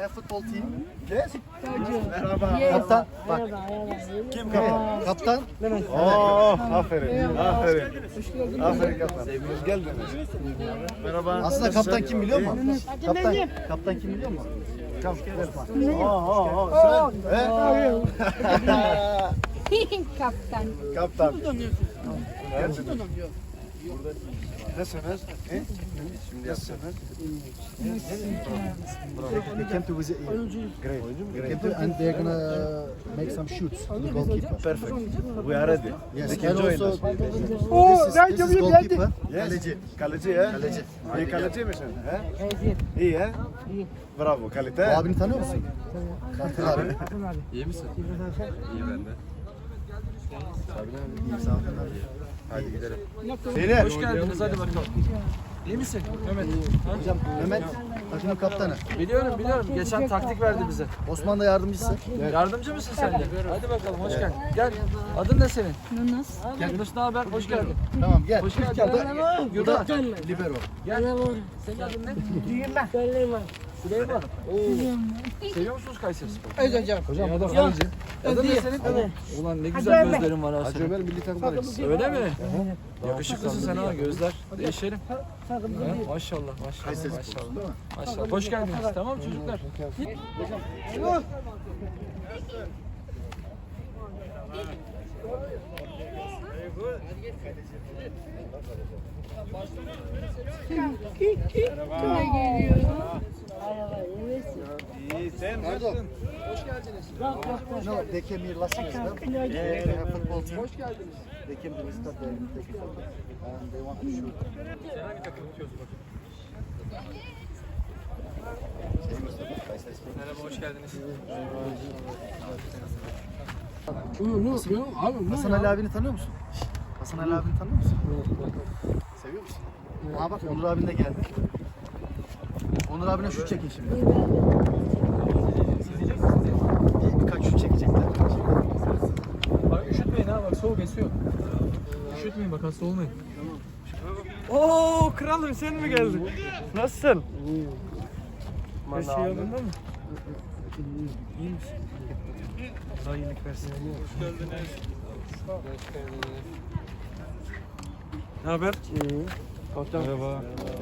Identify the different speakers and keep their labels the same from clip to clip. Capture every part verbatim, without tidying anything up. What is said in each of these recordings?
Speaker 1: have football team?
Speaker 2: Yes. Merhaba.
Speaker 1: Kaptan. Bak.
Speaker 2: Kim kaptan?
Speaker 1: Kaptan.
Speaker 2: Oo, aferin. Aferin. Aferin kaptan. Hoş geldiniz. Merhaba.
Speaker 1: Aslında kaptan kim biliyor musun? Kaptan. Kaptan kim biliyor musun? Osman.
Speaker 2: Oo, oo, sen. He?
Speaker 3: Kaptan.
Speaker 2: Kaptan. Nasılsınız? He? Nasılsınız?
Speaker 1: We came to visit you.
Speaker 2: Great.
Speaker 1: We came to, and they're gonna make some shoots to the goalkeeper.
Speaker 2: Perfect. We are ready.
Speaker 1: Yes,
Speaker 2: They can
Speaker 1: and
Speaker 2: join
Speaker 1: also
Speaker 2: us.
Speaker 1: this is, this is goalkeeper.
Speaker 2: Yes.
Speaker 1: Kaleci.
Speaker 2: Kaleci he?
Speaker 1: Kaleci.
Speaker 2: İyi kaleci misin? He? İyi he? Bravo. Kalite.
Speaker 1: Bu abini tanıyor musun? Kartal abi.
Speaker 4: İyi misin? İyi ben de. Hadi gidelim.
Speaker 2: Beyler.
Speaker 4: Hoş geldiniz, hadi bakalım. İyi misin Mehmet?
Speaker 1: Hocam Mehmet takımın kaptanı.
Speaker 4: Biliyorum biliyorum. Geçen taktik verdi bize.
Speaker 1: Osman da yardımcısı.
Speaker 4: Yardımcı mısın sen de? Hadi bakalım, hoş geldin. Gel. Adın ne senin?
Speaker 3: Yunus.
Speaker 4: Gel. Yunus, ne haber? Hoş geldin.
Speaker 1: Tamam gel.
Speaker 4: Hoş geldin.
Speaker 1: Bu
Speaker 4: Yurda.
Speaker 1: da libero.
Speaker 4: Gel. Senin adın ne? Süleyman. Süleyman. Oo. Seviyor musunuz Kayseri Spor?
Speaker 3: Evet hocam.
Speaker 4: Hocam adam kaleci. Adın ne senin? Ulan ne güzel gözlerin var ha senin.
Speaker 1: milli takım kalecisi.
Speaker 4: Öyle mi? Yakışıklısın sen ha, gözler. Değişelim. Ha, maşallah maşallah maşallah. Maşallah. Hoş geldiniz. Tamam çocuklar.
Speaker 3: Kime geliyor?
Speaker 2: İyi sen nasılsın?
Speaker 4: Hoş geldiniz.
Speaker 1: No, they came here last year. They have football team.
Speaker 4: Hoş geldiniz.
Speaker 1: They came to visit the the football and they want to shoot.
Speaker 4: Merhaba, hoş geldiniz.
Speaker 1: Hasan Ali abini tanıyor musun? Hasan Ali abini tanıyor musun? Seviyor musun? Aa bak Onur abin de geldi. Onur abine şut çekin şimdi. Bir, birkaç şut çekecekler.
Speaker 4: Bak üşütmeyin ha, bak soğuk esiyor. Üşütmeyin bak, hasta olmayın. Oo kralım, sen mi geldin? Nasılsın? Her şey yolunda mı? İyi misin? Allah iyilik versin. Hoş geldiniz. Hoş geldiniz. Ne haber? İyi. Merhaba.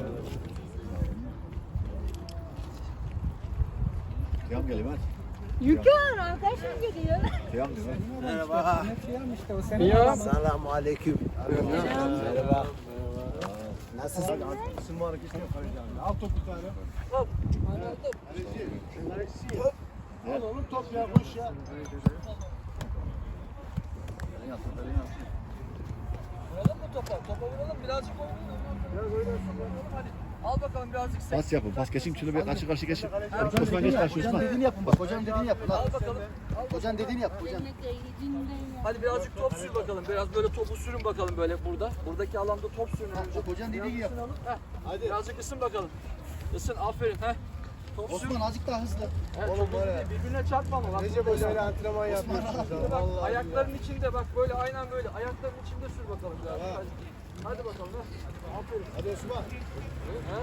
Speaker 2: Kıyam geliyor hadi.
Speaker 3: Yüklüyor arkadaşım geliyor.
Speaker 2: Kıyam geliyor.
Speaker 1: Merhaba.
Speaker 4: Ya.
Speaker 1: Selamun aleyküm. Merhaba. Nasılsın?
Speaker 2: İsim var ki istiyor kaleci. Al topu bir tane. Hop. Kaleci. Kaleci. Hop. Al oğlum top ya, koş ya.
Speaker 4: Vuralım mı topa? Topa vuralım, birazcık oynayalım. Biraz oynayalım. Hadi. Al bakalım birazcık sen.
Speaker 2: Pas yapın. Pas geçin. Şunu bir karşı karşı geçin. Osman geç karşı
Speaker 1: Hocanın
Speaker 2: Osman.
Speaker 1: dediğini yapın bak. Hocanın dediğini yapın.
Speaker 4: Al bakalım.
Speaker 1: Hocanın dediğini yap. Hocanın.
Speaker 4: Hadi birazcık top sür bakalım. Biraz böyle topu sürün bakalım böyle burada. Buradaki alanda top sürün önce.
Speaker 1: Hocanın dediği gibi yap.
Speaker 4: Hadi. Birazcık ısın bakalım. Isın, aferin. Heh. Top sür.
Speaker 1: Osman azıcık daha hızlı.
Speaker 4: Evet,
Speaker 2: Oğlum var ya.
Speaker 4: birbirine çarpma ama bak.
Speaker 2: Recep Hoca ile antrenman yapıyorsun.
Speaker 4: Şimdi bak, ayakların içinde bak, böyle aynen böyle. Ayakların içinde sür bakalım biraz. Hadi. Hadi bakalım. Heh. Aferin.
Speaker 2: Hadi Osman.
Speaker 4: Ha?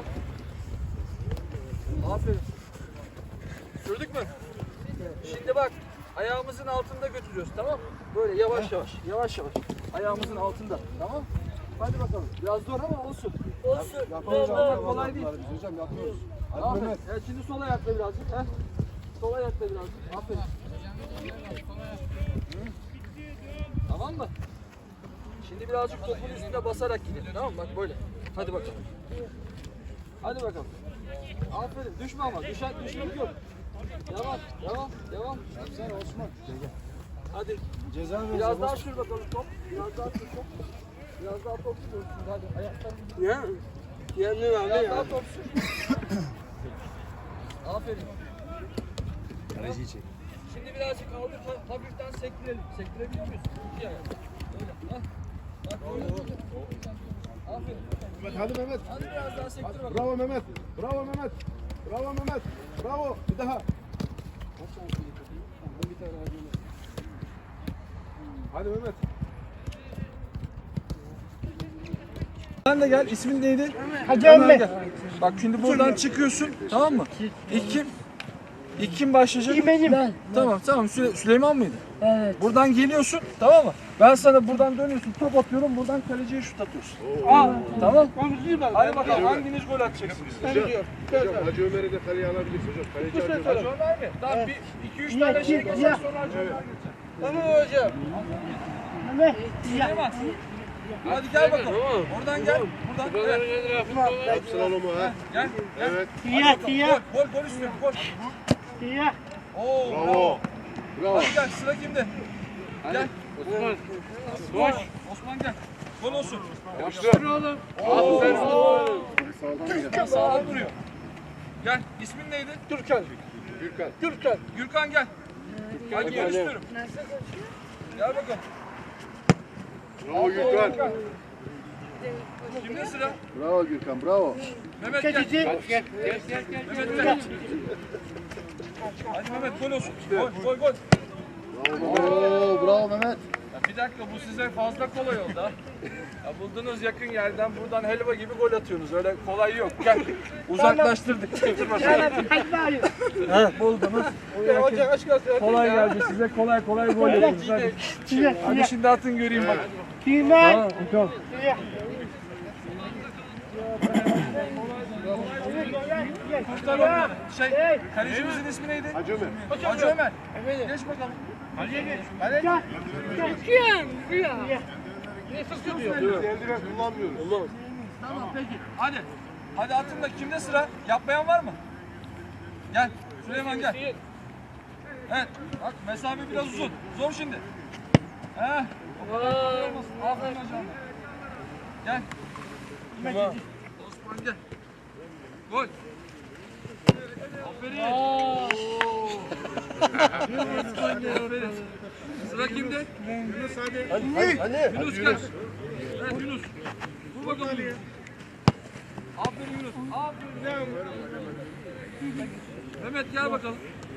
Speaker 4: Aferin. Sürdük mü? Şimdi bak, ayağımızın altında götürüyoruz, tamam mı? Böyle yavaş yavaş, yavaş yavaş. Ayağımızın altında, tamam? Hadi bakalım. Biraz zor ama olsun. Olsun. Yapalım. Kolay değil.
Speaker 2: Hocam yapıyoruz. Hadi
Speaker 4: Aferin.
Speaker 2: Mehmet.
Speaker 4: Evet, şimdi sol ayakla birazcık. Heh. Sol ayakla birazcık. Aferin. Tamam mı? Şimdi birazcık topun üstüne basarak gidelim, tamam mı? Bak böyle. Hadi bakalım. Hadi bakalım. Aferin. Düşme ama. Düşen düşmek yok. Devam. Devam. Devam.
Speaker 2: Yapsana Osman.
Speaker 4: Hadi.
Speaker 2: Ceza ver.
Speaker 4: Biraz daha sür bakalım top. Biraz daha sür top. Biraz daha top sür. Hadi ayaktan. Ya. Kendini ver. Biraz daha top sür. Aferin.
Speaker 2: Kaleciyi çek.
Speaker 4: Şimdi birazcık kaldır. ha- Hafiften sektirelim. Sektirebiliyor muyuz? İki ayak. Öyle. Hah. Bak böyle. Aferin.
Speaker 2: Mehmet, hadi Mehmet.
Speaker 4: Hadi biraz daha sektir bakalım.
Speaker 2: Bravo Mehmet. Bravo Mehmet. Bravo Mehmet. Bravo. Bir daha. Hadi Mehmet.
Speaker 4: Sen de gel. İsmin neydi? Hacı Emre. Bak şimdi buradan çıkıyorsun. Tamam mı? İlk kim? İlk kim başlayacak?
Speaker 5: İlk benim. Ben.
Speaker 4: Tamam tamam Süle- Süleyman mıydı?
Speaker 5: Evet.
Speaker 4: Buradan geliyorsun tamam mı? Ben sana buradan dönüyorsun top atıyorum buradan kaleciye şut atıyorsun.
Speaker 5: Aa.
Speaker 4: Tamam.
Speaker 5: Konuşayım ben.
Speaker 4: Hadi bakalım hanginiz gol atacaksınız?
Speaker 2: Hocam, hocam Hacı Ömer'i de kaleye alabiliriz hocam. Kaleci Hacı Ömer.
Speaker 4: Hacı Ömer mi? Tamam bir iki üç
Speaker 5: Ya,
Speaker 4: tane şey
Speaker 5: ya,
Speaker 4: geçer
Speaker 5: ya.
Speaker 4: sonra Hacı Ömer geçer.
Speaker 5: Tamam hocam. Evet.
Speaker 4: Süleyman. Hadi gel bakalım. Oradan gel. Buradan. Evet.
Speaker 2: Top slalom'u ha.
Speaker 4: Gel. Gel.
Speaker 2: Evet.
Speaker 5: Siyah siyah.
Speaker 4: Gol, gol, gol istiyorum. Gol.
Speaker 5: Siyah.
Speaker 4: Oo, bravo.
Speaker 2: Bravo. Bravo.
Speaker 4: Hadi gel sıra kimde? Gel. Osman. Koş. Osman gel. Gol olsun.
Speaker 2: Yapıştır.
Speaker 4: Oo.
Speaker 2: Sağdan gel.
Speaker 4: Gel. Sağdan duruyor. Gel. İsmin neydi?
Speaker 5: Türkan.
Speaker 2: Gürkan.
Speaker 5: Türkan.
Speaker 4: Gürkan gel. Hadi gol istiyorum. Gel bakalım.
Speaker 2: Bravo Gürkan.
Speaker 4: Kimde sıra?
Speaker 2: Bravo Gürkan. Bravo.
Speaker 4: Mehmet gel.
Speaker 5: Keçici.
Speaker 4: Mehmet gel. Hadi Mehmet gol olsun. Gol, gol, gol.
Speaker 2: Oo, bravo Mehmet.
Speaker 4: Ya bir dakika bu size fazla kolay oldu ha. Ya buldunuz yakın yerden buradan helva gibi gol atıyorsunuz. Öyle kolay yok. Gel. Uzaklaştırdık. Getir bakalım.
Speaker 5: Hadi bari.
Speaker 4: Ha, buldunuz.
Speaker 5: Hocam aşk olsun.
Speaker 4: Kolay geldi size. Kolay kolay gol yapıyorsunuz. Hadi.
Speaker 5: Siyah
Speaker 4: Hadi
Speaker 5: siyah.
Speaker 4: şimdi atın göreyim bak.
Speaker 5: Siyah.
Speaker 4: Tamam, tamam.
Speaker 5: Siyah.
Speaker 4: Kurtar onları. Şey, kalecimizin ismi neydi?
Speaker 2: Hacı Ömer.
Speaker 4: Hacı Ömer. Geç bakalım.
Speaker 3: Kim? Rüya.
Speaker 2: Eldiven kullanmıyoruz.
Speaker 4: Tamam peki. Hadi. Hadi atın da kimde sıra? Yapmayan var mı? Gel. Süleyman gel. Evet. Bak mesafe biraz uzun. Zor şimdi. Heh. Aferin hocam. Gel. Osman gel. Gol. Aferin. Aferin. Sıra kimde?
Speaker 2: Yunus hadi. Hadi. Hadi.
Speaker 4: Yunus gel. Evet Yunus. Vur bakalım. Aferin Yunus. Aferin. Mehmet gel bakalım.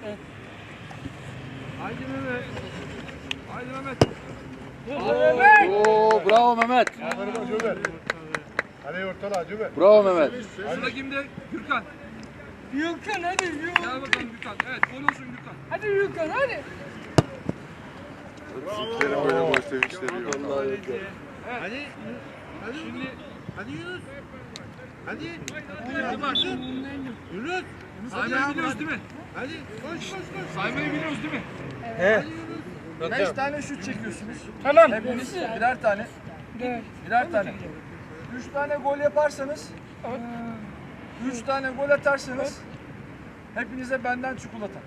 Speaker 4: Haydi Mehmet. Haydi Mehmet.
Speaker 1: Oo, bravo Mehmet.
Speaker 2: Aferin Hacı Ömer. Kaleye ortala Hacı Ömer.
Speaker 1: Bravo Mehmet.
Speaker 4: Sıra kimde? Gürkan.
Speaker 3: Yürkan hadi yürü.
Speaker 4: Gel bakalım Gürkan. Evet gol olsun Gürkan.
Speaker 3: Hadi Yürkan hadi.
Speaker 2: Sizlere böyle gol sevinçleri yok.
Speaker 4: Hadi. Hadi. Şimdi. Hadi Yunus. Hadi. Hadi bak. Yunus. Saymayı biliyoruz değil mi? Hadi. Koş koş koş. Saymayı biliyoruz değil mi?
Speaker 5: Evet.
Speaker 4: Beş tane şut çekiyorsunuz.
Speaker 5: Tamam.
Speaker 4: Hepiniz birer tane. Birer tane. Üç tane gol yaparsanız, üç tane gol atarsanız, hepinize benden çikolata.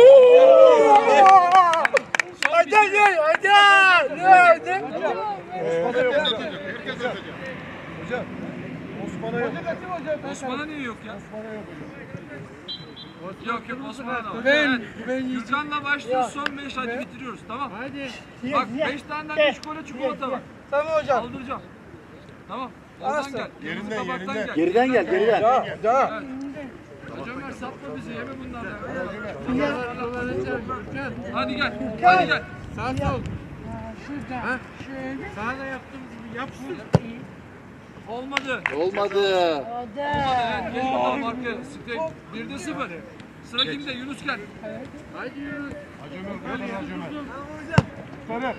Speaker 5: Hadi hadi hadi. Hadi.
Speaker 2: Osman'a yok. Herkes atacak. Hocam. Osman'a yok.
Speaker 4: Osman'a niye yok ya?
Speaker 2: Osman'a yok hocam.
Speaker 4: Yok yok Osman'a da var.
Speaker 5: Ben-
Speaker 4: Evet. Gürkan'la başlıyoruz son beş hadi bitiriyoruz tamam.
Speaker 5: Hadi.
Speaker 4: Bak beş taneden beş gole çikolata var.
Speaker 5: Tamam hocam.
Speaker 4: Aldıracağım. Tamam. Oradan gel. Kırmızı
Speaker 2: Yerinden,
Speaker 4: tabaktan
Speaker 2: yerinden.
Speaker 4: gel.
Speaker 1: Geriden gel, geriden.
Speaker 5: Ya, ya.
Speaker 4: Hacı Ömer satma bizi yeme bunlardan. Hadi gel. Hadi gel.
Speaker 5: Sağ sol.
Speaker 3: Şurada.
Speaker 5: Sağda yaptığımız gibi yapsın.
Speaker 4: Olmadı.
Speaker 1: Olmadı.
Speaker 4: Evet, geç bakalım arkaya. Site birde sıfır. Sıra kimde? Yunus gel.
Speaker 2: Hacı Ömer. Buradan Hacı Ömer. Yukarı.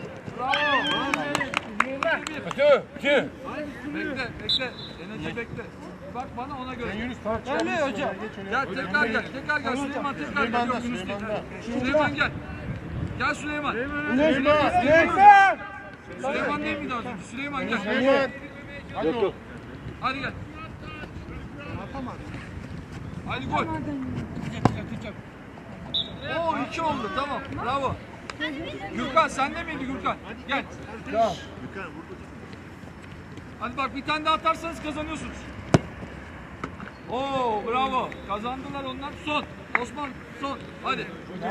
Speaker 4: Bekle, bekle. Enes'i bekle. Bak bana ona göre.
Speaker 2: Yunus tartış.
Speaker 5: Gel hocam.
Speaker 4: Gel tekrar gel. Tekrar gel. Süleyman tekrar gel. Yok Yunus değil. Süleyman gel. Gel Süleyman.
Speaker 5: Süleyman.
Speaker 4: Süleyman değil miydi az önce? Süleyman gel.
Speaker 2: Süleyman. Hadi oğlum.
Speaker 4: Hadi gel. Hadi gol. Oo iki oldu tamam. Bravo. Gürkan sende miydi Gürkan? Gel. Hadi bak bir tane daha atarsanız kazanıyorsunuz. Oo bravo. Kazandılar onlar. Son. Osman son. Hadi.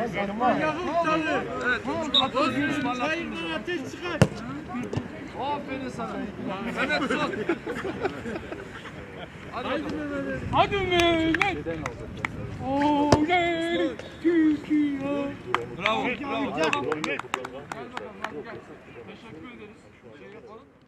Speaker 4: Evet. Osman Osman'la
Speaker 5: Ateş çıkar.
Speaker 4: Aferin sana. Mehmet son. Hadi bakalım.
Speaker 3: Hadi Mehmet. Oley Türkiye.
Speaker 4: Bravo. Bravo. Tamam. Gel bakalım. Gel. Teşekkür ederiz. Şey yapalım.